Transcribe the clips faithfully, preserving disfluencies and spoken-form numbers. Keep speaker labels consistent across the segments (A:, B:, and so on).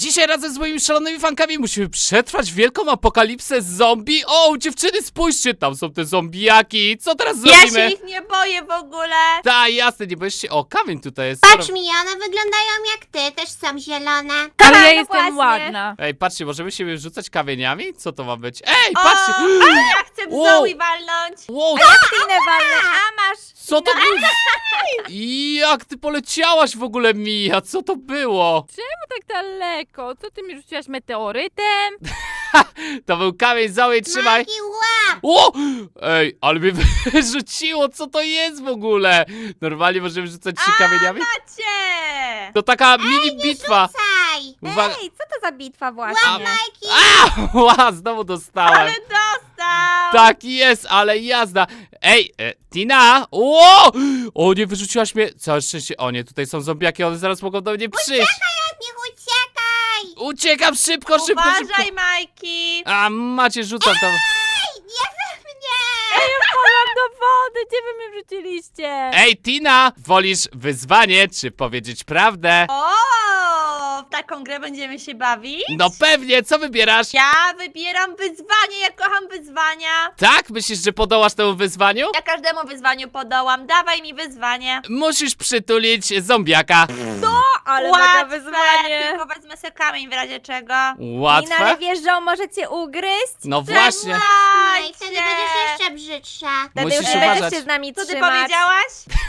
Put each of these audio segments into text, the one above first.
A: Dzisiaj razem z moimi szalonymi fankami musimy przetrwać wielką apokalipsę zombie. O, dziewczyny, spójrzcie, tam są te zombiaki. Co teraz
B: Ja
A: zrobimy?
B: się ich nie boję w ogóle.
A: Ta, jasne, nie boisz się. O, kamień tutaj jest.
C: Patrz mi, one wyglądają jak ty, też są zielone.
D: Ale ja
B: no
D: jestem
B: właśnie.
D: ładna.
A: Ej, patrzcie, możemy siebie rzucać kamieniami? Co to ma być? Ej, patrzcie!
B: O, ale ja chcę w
A: Wow.
B: Zoe walnąć.
A: Wow,
D: Tinę walnę, a masz...
A: co to było? Jak ty poleciałaś w ogóle, Mija? Co to było?
D: Czemu tak daleko? Co ty mi rzuciłaś meteorytem?
A: To był kamień, Zoe, trzymaj.
C: Majki, łap!
A: O! Ej, ale mnie wyrzuciło, co to jest w ogóle? Normalnie możemy rzucać się kamieniami?
B: Macie!
A: To taka mini bitwa.
C: Saj!
A: Uwaga.
D: Ej, co to za bitwa właśnie?
C: Łap, Majki!
A: A, ła, znowu dostałem.
B: Ale dostał!
A: Tak jest, ale jazda. Ej, e, Tina! O! O, nie wyrzuciłaś mnie. Całe szczęście. O nie, tutaj są zombiaki, one zaraz mogą do mnie przyjść.
C: Od nich uciekaj!
A: Uciekam szybko, szybko, szybko.
B: Uważaj, Majki!
A: A, macie, rzucam tam.
C: Ej, nie we mnie!
D: Ej, wpadłam do wody, gdzie wy mnie wrzuciliście?
A: Ej, Tina! Wolisz wyzwanie, czy powiedzieć prawdę?
B: O, w taką grę będziemy się bawić?
A: No pewnie, co wybierasz?
B: Ja wybieram wyzwanie, ja kocham wyzwania.
A: Tak? Myślisz, że podołasz temu wyzwaniu?
B: Ja każdemu wyzwaniu podołam, dawaj mi wyzwanie.
A: Musisz przytulić zombiaka.
D: Ale
B: Łatwe,
D: mega wyzwanie.
B: tylko wezmę sobie kamień w razie czego.
D: Tina, ale
A: Łatwe?
D: wiesz, że on może cię ugryźć?
A: No właśnie.
C: No i wtedy będziesz jeszcze brzydsza.
D: Wtedy
A: Musisz
D: już nie będziesz
A: uważać.
D: się z nami
B: Co ty
D: trzymać.
B: powiedziałaś?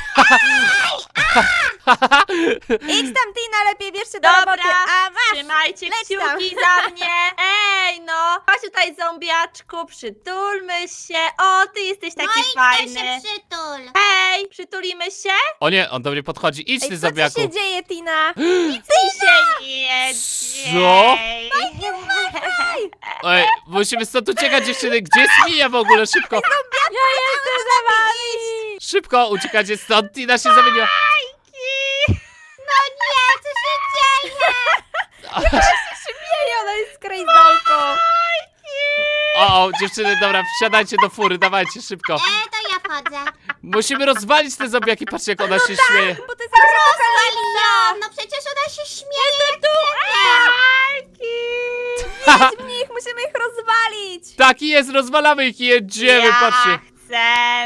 D: Idź tam, Tina, lepiej bierz się do
B: Dobra,
D: roboty. A masz!
B: Trzymajcie
D: leć tam.
B: kciuki za mnie. Ej, no. Chodź tutaj, zombiaczku, przytulmy się. O, ty jesteś taki
C: No i
B: fajny.
C: się przytul.
B: Hej, przytulimy się?
A: O nie, on do mnie podchodzi. Idź
D: Ej,
A: ty,
D: co
A: zombiaku.
D: ci się dzieje, Tina?
B: Nic mi się nie
A: Co?
B: dzieje.
A: Ej, musimy stąd uciekać, dziewczyny. Gdzie jest Mija w ogóle? Szybko.
D: Ja jestem za wami!
A: Szybko, uciekacie stąd. Tina się zamieniła.
C: No nie, co się dzieje?
D: Ej, ona jest krejzolką.
A: O, o, dziewczyny, dobra, wsiadajcie do fury, dawajcie, szybko.
C: E, to ja wchodzę.
A: Musimy rozwalić te zombiaki, patrzcie jak ona się śmieje.
D: Bo to jest jakaś
C: Rozwaliłam! No przecież ona się śmieje jak
D: apokalipsa. W nich, musimy ich rozwalić.
A: Tak jest, rozwalamy ich i jedziemy,
B: ja
A: patrzcie.
B: chcę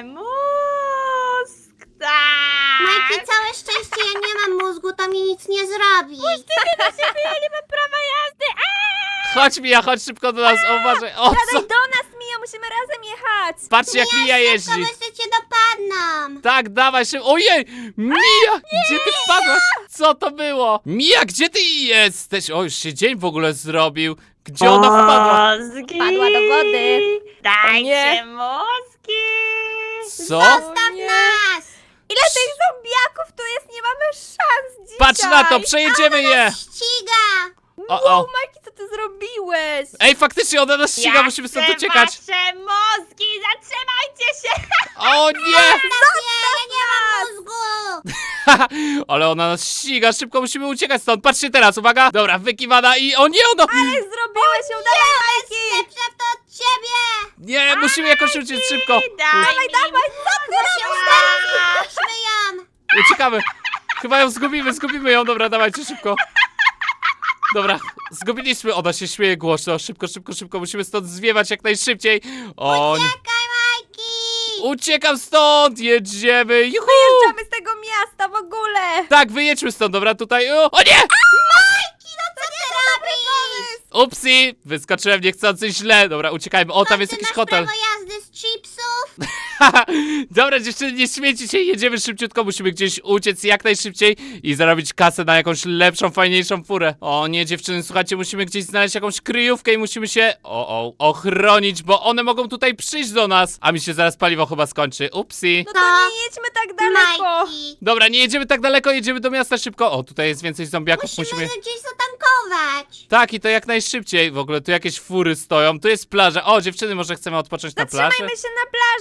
B: mózg, tak.
C: Majki, całe szczęście, ja nie mam mózgu, to mi nic nie zrobi.
D: Ja nie mam prawa jazdy.
A: Chodź Mija, chodź szybko do nas, o, uważaj. O, co?
D: Siadaj do nas, Mija, musimy razem jechać.
A: Patrzcie jak Mija
C: To
A: jeździ.
C: jeszcze cię dopadną.
A: Tak, dawaj szybko. Ojej, Mija, gdzie ty wpadłaś? Co to było? Mija, gdzie ty jesteś? O, już się dzień w ogóle zrobił. Gdzie ona wpadła?
B: Mózgi.
D: Wpadła do wody.
B: Dajcie
D: nie.
B: mózgi.
A: Co?
C: Zostaw
D: nie.
C: nas!
D: Ile tych zombiaków tu jest? Nie mamy szans dzisiaj.
A: Patrz na to, przejedziemy je.
C: Ściga!
A: O,
D: Wow,
A: o.
D: Majki, co ty zrobiłeś?
A: Ej, faktycznie ona nas ściga,
B: Ja
A: musimy stąd
B: chcę
A: uciekać.
B: wasze mózgi, zatrzymajcie się.
A: O nie!
C: Nie, ja nie mam mózgu!
A: Ale ona nas ściga, szybko musimy uciekać stąd. Patrzcie teraz, uwaga. Dobra, wykiwana i... O nie, ono...
D: Ale zrobiłeś ją, dawaj, Majki.
C: Lepsza to od ciebie!
A: Nie, musimy jakoś uciec szybko.
B: Daj mi
D: Dawaj, co ty robisz?
C: Puśćmy ją!
A: Uciekamy. Chyba ją zgubimy, zgubimy ją. Dobra, dawajcie szybko. Dobra, zgubiliśmy. Ona się śmieje głośno. Szybko, szybko, szybko. Musimy stąd zwiewać jak najszybciej. O nie.
C: Czekaj, Majki!
A: Uciekam stąd, jedziemy. Juhu.
D: Wyjeżdżamy z tego miasta w ogóle.
A: Tak, wyjedźmy stąd, dobra, tutaj. O, o nie!
C: Co ty robisz?
A: Upsi, wyskoczyłem niechcący źle. Dobra, uciekajmy. O, tam jest
C: Ty
A: jakiś
C: masz
A: hotel.
C: prawo jazdy z chipsów?
A: Dobra, dziewczyny, nie śmiejcie się, jedziemy szybciutko, musimy gdzieś uciec jak najszybciej i zarobić kasę na jakąś lepszą, fajniejszą furę. O nie, dziewczyny, słuchajcie, musimy gdzieś znaleźć jakąś kryjówkę i musimy się, o, o, ochronić, bo one mogą tutaj przyjść do nas, a mi się zaraz paliwo chyba skończy. Upsi.
D: No to nie jedźmy tak daleko.
C: Majki!
A: Dobra, nie jedziemy tak daleko, jedziemy do miasta szybko. O, tutaj jest więcej zombiaków,
C: Musimy
A: musimy...
C: gdzieś zatankować.
A: Tak, i to jak najszybciej. W ogóle tu jakieś fury stoją, tu jest plaża. O, dziewczyny, może chcemy odpocząć na plaży?
D: Zatrzymajmy się na plaży, tak,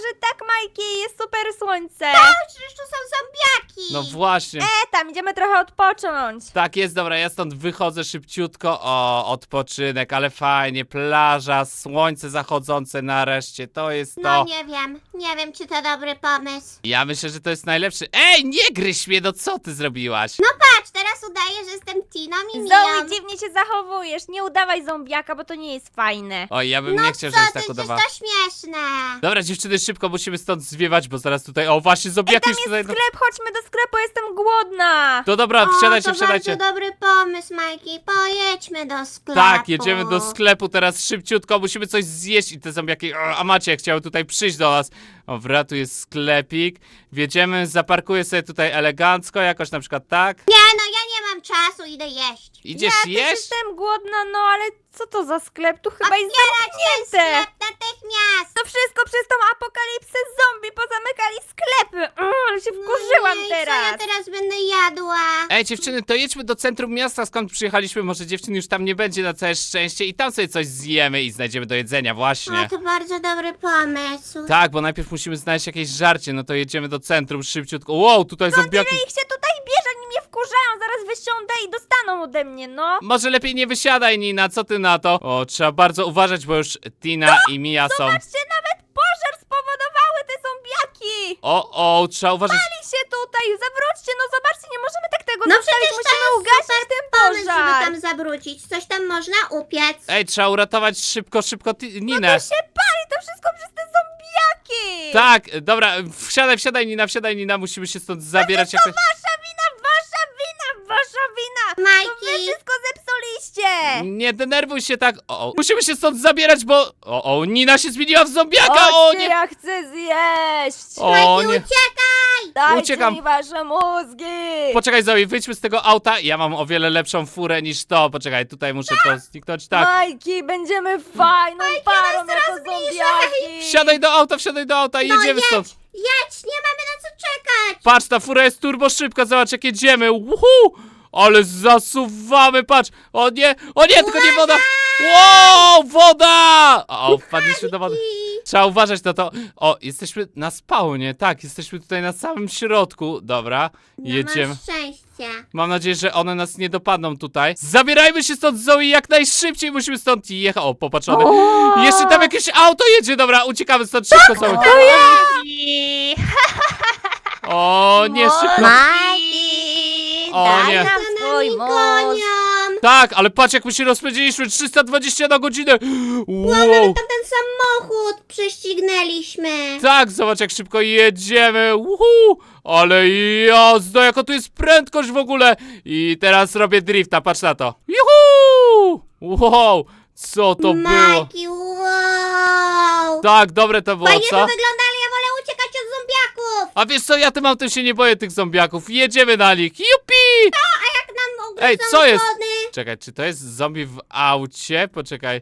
D: Majki, jest super słońce.
C: Przecież tu są zombiaki.
A: No właśnie.
D: E, tam idziemy trochę odpocząć.
A: Tak jest, dobra, ja stąd wychodzę szybciutko. O, odpoczynek, ale fajnie, plaża, słońce zachodzące nareszcie, to jest to.
C: No nie wiem, nie wiem czy to dobry pomysł.
A: Ja myślę, że to jest najlepszy. Ej, nie gryź mnie, no co ty zrobiłaś?
C: No patrz, teraz udaję, że jestem Tiną i Miją.
D: Zoe, dziwnie się zachowujesz. Nie udawaj zombiaka, bo to nie jest fajne.
A: Oj, ja bym
C: No
A: nie chciał,
C: co
A: żebyś
C: ty,
A: tak
C: przecież
A: udawała.
C: to śmieszne.
A: Dobra, dziewczyny, szybko musimy stąd zwiewać, bo zaraz tutaj. O, właśnie,
D: Ej,
A: zombiaki
D: tam
A: już
D: jest
A: tutaj. No,
D: sklep, chodźmy do sklepu, jestem głodna.
A: to dobra,
C: O,
A: wsiadajcie,
C: to
A: wsiadajcie.
C: bardzo dobry pomysł, Majki. Pojedźmy do sklepu.
A: Tak, jedziemy do sklepu teraz szybciutko, musimy coś zjeść i te zombiaki, o, a Macie chciały tutaj przyjść do nas. O, wra, tu jest sklepik, wjedziemy, zaparkuję sobie tutaj elegancko, jakoś na przykład tak.
C: Nie, no ja nie mam czasu, idę jeść.
A: Idziesz
D: ja też
A: jeść?
D: jestem głodna, no ale co to za sklep? Tu chyba jest
C: Otwierać ten
D: zamknięte.
C: sklep natychmiast.
D: To wszystko przez tą apokalipsę zombie, pozamykali sklepy. Mm, ale się wkurzyłam
C: No i
D: teraz.
C: co ja teraz będę jadła?
A: Ej, dziewczyny, to jedźmy do centrum miasta, skąd przyjechaliśmy, może dziewczyn już tam nie będzie na całe szczęście i tam sobie coś zjemy i znajdziemy do jedzenia, właśnie.
C: O, to bardzo dobry pomysł.
A: Tak, bo najpierw musimy znaleźć jakieś żarcie, no to jedziemy do centrum szybciutko. Wow, tutaj zombiaki.
D: Ile ich się tutaj bierze, oni mnie wkurzają, zaraz wysiądę i dostaną ode mnie, no.
A: Może lepiej nie wysiadaj, Nina, co ty na to? O, trzeba bardzo uważać, bo już Tina i Mia są.
D: Zobaczcie, nawet pożar spowodowały te zombiaki.
A: O, o, trzeba uważać.
D: Pali się tutaj, zawróćcie, no zobaczcie, nie możemy tak tego
C: No
D: zostawić,
C: przecież to
D: musimy
C: jest
D: ugasić ten
C: Pomysł, żeby
D: pożar.
C: tam zawrócić. Coś tam można upiec.
A: Ej, trzeba uratować szybko, szybko ti- Ninę.
D: To się pali, to wszystko przez te zombiaki.
A: Tak, dobra, wsiadaj, wsiadaj, Nina, wsiadaj, Nina, musimy się stąd zabierać jak
D: To wasza wina, wasza wina, wasza wina. To wy
C: Majki,
D: wszystko zepsuliście.
A: Nie denerwuj się tak. O, o, musimy się stąd zabierać, bo. O, o, Nina się zmieniła w zombiaka! O
D: Chodźcie,
A: nie!
D: ja chcę zjeść.
A: O
C: Majki,
A: nie!
C: uciekaj!
D: Dajcie
A: uciekam.
D: mi wasze mózgi.
A: Poczekaj, Zoe, wyjdźmy z tego auta. Ja mam o wiele lepszą furę niż to. Poczekaj, tutaj muszę to zniknąć. Tak.
D: Majki, będziemy fajną parą jako zombiaki.
A: Wsiadaj do auta, wsiadaj do auta i
C: No
A: jedziemy
C: jedź,
A: stąd.
C: jedź, nie mamy na co czekać.
A: Patrz, ta fura jest turbo szybka, zobacz jak jedziemy. Uhu! Ale zasuwamy, patrz. O nie, o nie, tylko nie woda. Wow, woda! O, wpadliśmy do wody. Trzeba uważać na to. O, jesteśmy na spawnie, tak, jesteśmy tutaj na samym środku. Dobra, jedziemy.
C: No masz szczęście.
A: Mam nadzieję, że one nas nie dopadną tutaj. Zabierajmy się stąd, Zoe, jak najszybciej musimy stąd jechać. O, popatrzony. Jeszcze tam jakieś auto jedzie, dobra, uciekamy stąd szybko, Zoe.
B: I...
A: O, nie, szybko.
B: Majki,
A: O,
B: daj
A: nie.
B: nam
C: Za
B: swój
C: nami
B: mózg.
C: gonią.
A: Tak, ale patrz jak my się rozpędziliśmy, trzysta dwadzieścia na godzinę. Wow.
C: Tam ten samochód prześcignęliśmy.
A: Tak, zobacz jak szybko jedziemy. Uhu. Ale jazda, jaka tu jest prędkość w ogóle. I teraz robię drifta, patrz na to. Juhu! Wow, co to było?
C: Majki, wow.
A: Tak, dobre to było,
C: Fajnie to
A: co?
C: wygląda, ale ja wolę uciekać od zombiaków.
A: A wiesz co, ja tym autem się nie boję tych zombiaków. Jedziemy na nich. Jupi!
C: Jak nam ugryzą
A: Ej, co jest?
C: opony.
A: Czekaj, czy to jest zombie w aucie? Poczekaj.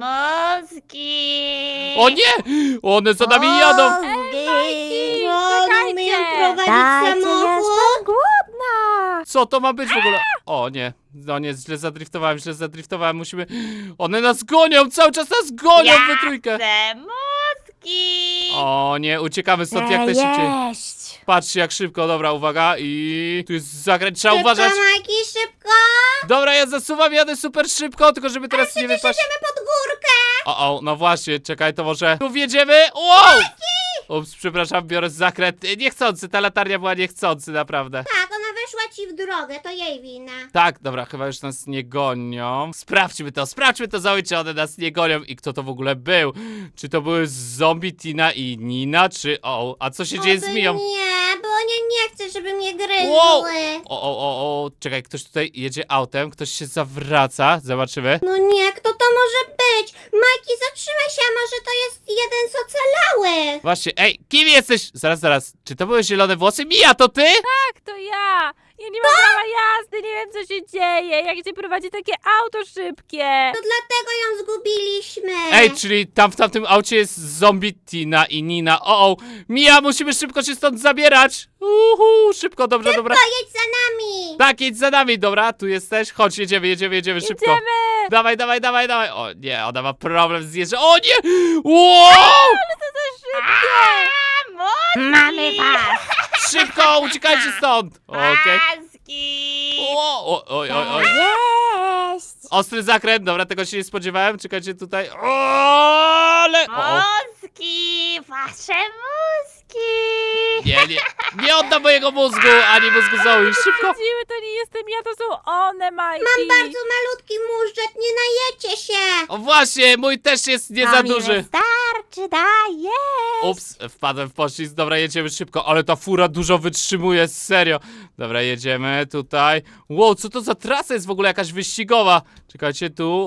B: Mózgi.
A: O nie! One za nami jadą!
B: Mózgi.
C: O, umieją
D: czekajcie.
C: prowadzić
B: Dajcie,
C: samochód.
D: Jestem głodna.
A: Co to ma być w ogóle? O nie, no nie, źle zadriftowałem, źle zadriftowałem, musimy... One nas gonią, cały czas nas gonią
B: Ja
A: we trójkę!
B: chcę mózgi.
A: O nie, uciekamy stąd jak najszybciej.
D: Jeść.
A: Patrzcie jak szybko, dobra, uwaga i... Tu jest zakręt, trzeba
C: Szybko,
A: uważać.
C: Majki, szybko.
A: Dobra, ja zasuwam, jadę super szybko, tylko żeby teraz nie
C: Przecież
A: wypaść.
C: jedziemy pod górkę.
A: O, o, no właśnie, czekaj, to może... Tu wjedziemy, wow! Ups, przepraszam, biorę zakręt. Niechcący, ta latarnia była niechcący, naprawdę.
C: Tak, ona weszła ci w drogę, to jej wina.
A: Tak, dobra, chyba już nas nie gonią. Sprawdźmy to, sprawdźmy to, Zoe, czy one nas nie gonią i kto to w ogóle był. Czy to były zombie Tina i Nina, czy... O, a co się dzieje z
C: Oby
A: Miją?
C: Nie, bo nie, nie chcę, żeby mnie gryzły.
A: Wow! O, o, o, o, czekaj, ktoś tutaj jedzie autem, ktoś się zawraca, zobaczymy.
C: No nie, kto to może być? Majki, zatrzymaj się, a może to jest jeden z ocalałych.
A: Właśnie, ej, kim jesteś? Zaraz, zaraz, czy to były zielone włosy? Mija, to ty?
D: Tak, to ja. Ja nie mam prawa jazdy, nie wiem co się dzieje. Jak się prowadzi takie auto szybkie.
C: To dlatego ją zgubiliśmy.
A: Ej, czyli tam w tamtym aucie jest zombie Tina i Nina. O, o, Mija, musimy szybko się stąd zabierać. Uhu, szybko, dobrze, dobra.
C: Pojedź za nami.
A: Tak, jedź za nami, dobra, tu jesteś. Chodź, jedziemy, jedziemy, jedziemy szybko.
D: Jedziemy.
A: Dawaj, dawaj, dawaj, dawaj. O nie, ona ma problem z jeżdżą. O nie! Wow!
D: To za szybkie. Mamy was!
A: Szybko, uciekajcie stąd! Okej.
B: Paski!
A: O, o, oj, oj, oj.
D: Cześć!
A: Ostry zakręt, dobra, tego się nie spodziewałem. Czekajcie tutaj. O, ale... O, o.
B: Mózgi! Wasze mózgi!
A: Nie, nie, nie oddam mojego mózgu, ani mózgu Zoe. Szybko.
D: Widziły, to nie jestem ja, to są one, Majki!
C: Mam bardzo malutki móżdżek, nie najecie się.
A: O właśnie, mój też jest nie za duży.
D: Wystarczy, daję!
A: Ups, wpadłem w poślizg. Dobra, jedziemy szybko, ale ta fura dużo wytrzymuje, serio. Dobra, jedziemy tutaj. Wow, co to za trasa jest w ogóle jakaś wyścigowa? Czekajcie tu.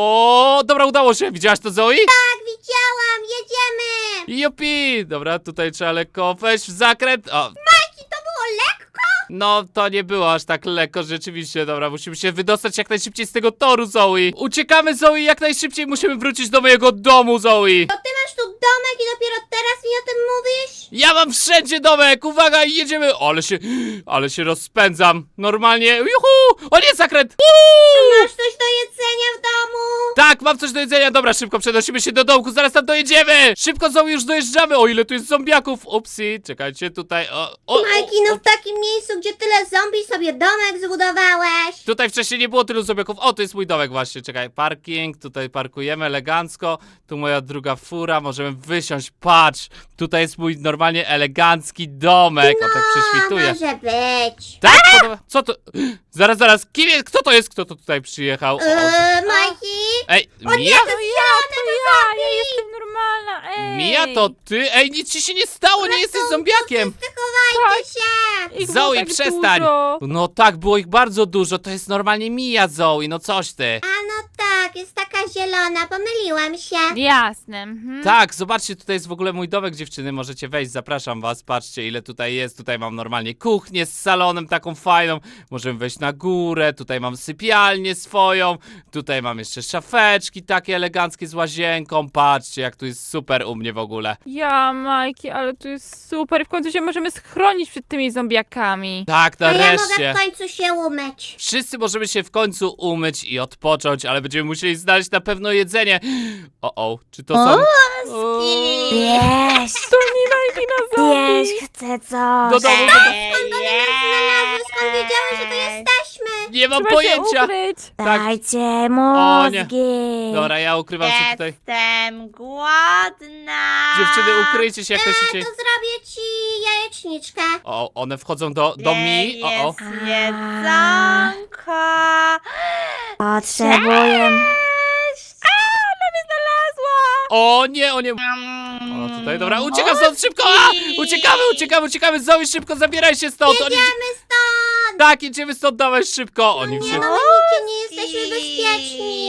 A: O, dobra, udało się. Widziałaś to, Zoe?
C: Tak, widziałam, jedziemy.
A: Jupi! Dobra, tutaj trzeba lekko wejść w zakręt. O,
C: Majki, to było lekko.
A: no, to nie było aż tak lekko, rzeczywiście. Dobra, musimy się wydostać jak najszybciej z tego toru, Zoe. Uciekamy, Zoe, jak najszybciej musimy wrócić do mojego domu, Zoe.
C: To ty masz tu domek i dopiero teraz mi o tym mówisz?
A: Ja mam wszędzie domek, uwaga, i jedziemy. O, ale się, ale się rozpędzam. Normalnie, juhu! O nie, zakręt! Uuu!
C: Masz coś do jedzenia w domu?
A: Tak, mam coś do jedzenia. Dobra, szybko przenosimy się do domku, zaraz tam dojedziemy. Szybko, Zoe, już dojeżdżamy. O, ile tu jest zombiaków. Upsi, czekajcie, tutaj, o, o,
C: Majki,
A: o,
C: no
A: o.
C: w takim miejscu, gdzie tyle zombie, sobie domek zbudowałeś.
A: Tutaj wcześniej nie było tylu zombiaków. O, to jest mój domek właśnie, czekaj, parking, tutaj parkujemy elegancko. Tu moja druga fura, możemy wysiąść, patrz. Tutaj jest mój normalnie elegancki domek. O, tak prześwituje.
C: może być.
A: Tak? Podoba... Co to? Zaraz, zaraz, kim jest? Kto to jest? Kto to tutaj przyjechał? O, o,
C: Eee, Majki?
A: Ej,
C: O nie,
A: Mia?
C: to jest zielone,
D: To ja, ja jestem normalna, ej!
A: Mia, to ty? Ej, nic ci się nie stało, nie jesteś zombiakiem.
C: chowajcie się.
D: Ich było
A: Zoe,
D: tak
A: przestań.
D: Dużo.
A: No tak, było ich bardzo dużo, to jest normalnie Mia, Zoe, no coś ty.
C: A no tak, jest taka zielona, pomyliłam się.
D: Jasne. Mhm.
A: Tak, zobaczcie, tutaj jest w ogóle mój domek, dziewczyny, możecie wejść, zapraszam was, patrzcie ile tutaj jest, tutaj mam normalnie kuchnię z salonem taką fajną, możemy wejść na górę, tutaj mam sypialnię swoją, tutaj mam jeszcze szafeczki takie eleganckie z łazienką, patrzcie jak tu jest super u mnie w ogóle.
D: Ja, Majki, ale tu jest super. W końcu się możemy schronić przed tymi zombiakami.
A: Tak,
C: A ja mogę
A: nareszcie.
C: w końcu się umyć.
A: Wszyscy możemy się w końcu umyć i odpocząć, ale będziemy musieli znaleźć na pewno jedzenie. O, o, czy to są... O,
E: Wiesz,
D: To nie Majki na zombie.
E: wiesz, chcę coś.
A: do domu, do domu.
C: Skąd one nas znalazły? Skąd wiedziały, że tu jesteśmy?
A: Nie mam
D: Trzeba się
A: pojęcia.
D: ukryć.
A: Tak.
E: Dajcie
A: O, nie.
E: mózgi.
A: Dobra, ja ukrywam się tutaj.
B: Jestem głodna!
A: Dziewczyny, ukryjcie się jak
C: A, to
A: najszybciej.
C: zrobię ci jajeczniczkę.
A: O, one wchodzą do, do mi. O, o.
B: Jest jedzonko!
E: Potrzebuję.
A: O nie, o nie. O, tutaj, dobra, uciekam stąd szybko! A! Uciekamy, uciekamy, uciekamy! Zoe, szybko zabieraj się stąd! Oni...
C: Jedziemy stąd.
A: Tak, jedziemy stąd, dawaj szybko! Oni
C: Nie
A: się...
C: no, my nigdzie nie jesteśmy bezpieczni.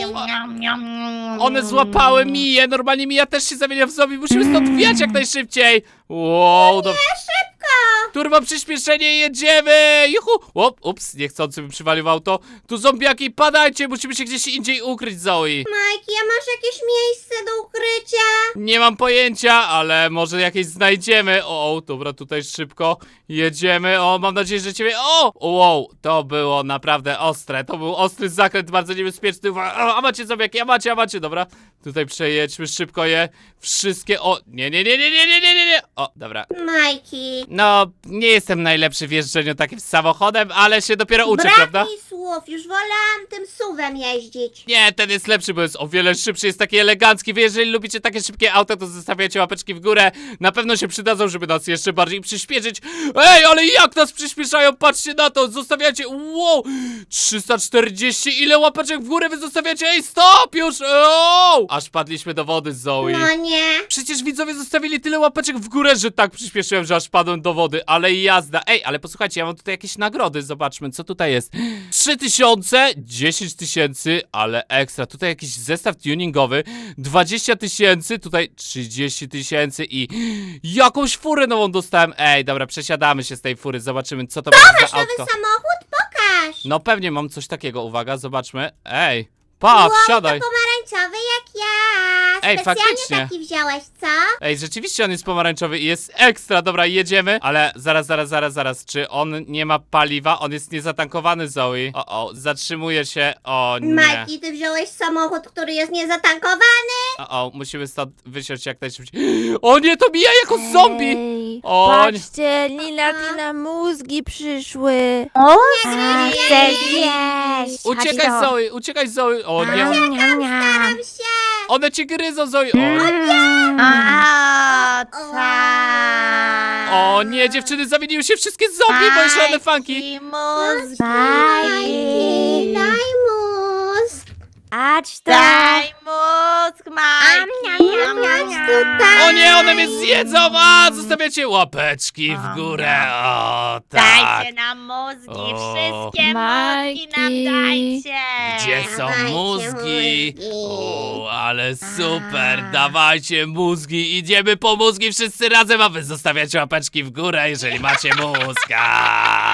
A: One złapały Miję, normalnie Mija też się zamienia w zombie, musimy stąd wjechać jak najszybciej! Wow, do...
C: Szybko.
A: Turbo przyspieszenie, jedziemy! Juhu! Op, ups, niechcący bym przywalił auto. Tu zombiaki, padajcie, musimy się gdzieś indziej ukryć, Zoe.
C: Majki, a masz jakieś miejsce do ukrycia?
A: Nie mam pojęcia, ale może jakieś znajdziemy. O, o, dobra, tutaj szybko jedziemy. O, mam nadzieję, że ciebie... O! Wow, to było naprawdę ostre. To był ostry zakręt, bardzo niebezpieczny. Uwa- A, a macie zombiaki, a macie, a macie, dobra. Tutaj przejedźmy szybko je. Wszystkie... O, nie, nie, nie, nie, nie, nie, nie, nie, nie. O, dobra.
C: Majki.
A: No, nie jestem najlepszy w jeżdżeniu takim samochodem, ale się dopiero uczę,
C: Brak
A: prawda?
C: mi słów, już wolałam tym suwem jeździć.
A: Nie, ten jest lepszy, bo jest o wiele szybszy, jest taki elegancki. Wy, jeżeli lubicie takie szybkie auta, to zostawiacie łapeczki w górę. Na pewno się przydadzą, żeby nas jeszcze bardziej przyspieszyć. Ej, ale jak nas przyspieszają? Patrzcie na to, zostawiacie, wow, trzysta czterdzieści, ile łapeczek w górę wy zostawiacie? Ej, stop już, o! Aż padliśmy do wody z Zoe.
C: No nie.
A: Przecież widzowie zostawili tyle łapeczek w górę, że tak przyspieszyłem, że aż padłem do wody, ale jazda. Ej, ale posłuchajcie, ja mam tutaj jakieś nagrody, zobaczmy, co tutaj jest. trzy tysiące, dziesięć tysięcy, ale ekstra. Tutaj jakiś zestaw tuningowy, dwadzieścia tysięcy, tutaj trzydzieści tysięcy i jakąś furę nową dostałem. Ej, dobra, przesiadamy się z tej fury, zobaczymy, co to będzie
C: Masz
A: za
C: nowy
A: autko.
C: samochód? Pokaż.
A: No pewnie mam coś takiego, uwaga, zobaczmy. Ej, patrz,
C: Wow,
A: siadaj.
C: to pomarańczowy jak ja.
A: Ej,
C: Specjalnie
A: faktycznie.
C: taki wziąłeś, co?
A: Ej, rzeczywiście on jest pomarańczowy i jest ekstra, dobra, jedziemy, ale zaraz, zaraz, zaraz, zaraz, czy on nie ma paliwa? On jest niezatankowany, Zoe. O, o, zatrzymuje się, o nie.
C: Majki, ty wziąłeś samochód, który jest niezatankowany?
A: O, o, musimy stąd wysiąść jak najszybciej. O nie, to mija jako zombie!
E: Ej,
A: O,
D: Patrzcie, Lila, Tina, mózgi przyszły.
E: A, chcę zjeść. Chodź
A: Uciekaj,
E: tu.
A: Zoe, uciekaj, Zoe. O nie,
E: Niam, niam, niam.
C: Staram się.
A: one cię gryzą, Zoe. O,
E: Mm.
B: O, tak.
A: o nie, dziewczyny, zamieniły się wszystkie zombie, bo jeszcze one funky.
B: I mózgi.
E: Bajki.
C: Daj mózg.
E: Chodź tu.
B: Daj mózg, Majki.
E: niam, niam, niam.
A: O nie, one mnie zjedzą, a zostawiacie łapeczki w górę, o tak.
B: Dajcie nam mózgi,
A: O.
B: wszystkie
D: Majki.
B: mózgi nam dajcie.
A: Gdzie są
C: Dawajcie
A: mózgi?
C: mózgi.
A: O, ale super, dawajcie mózgi, idziemy po mózgi wszyscy razem, a wy zostawiacie łapeczki w górę, jeżeli macie mózga.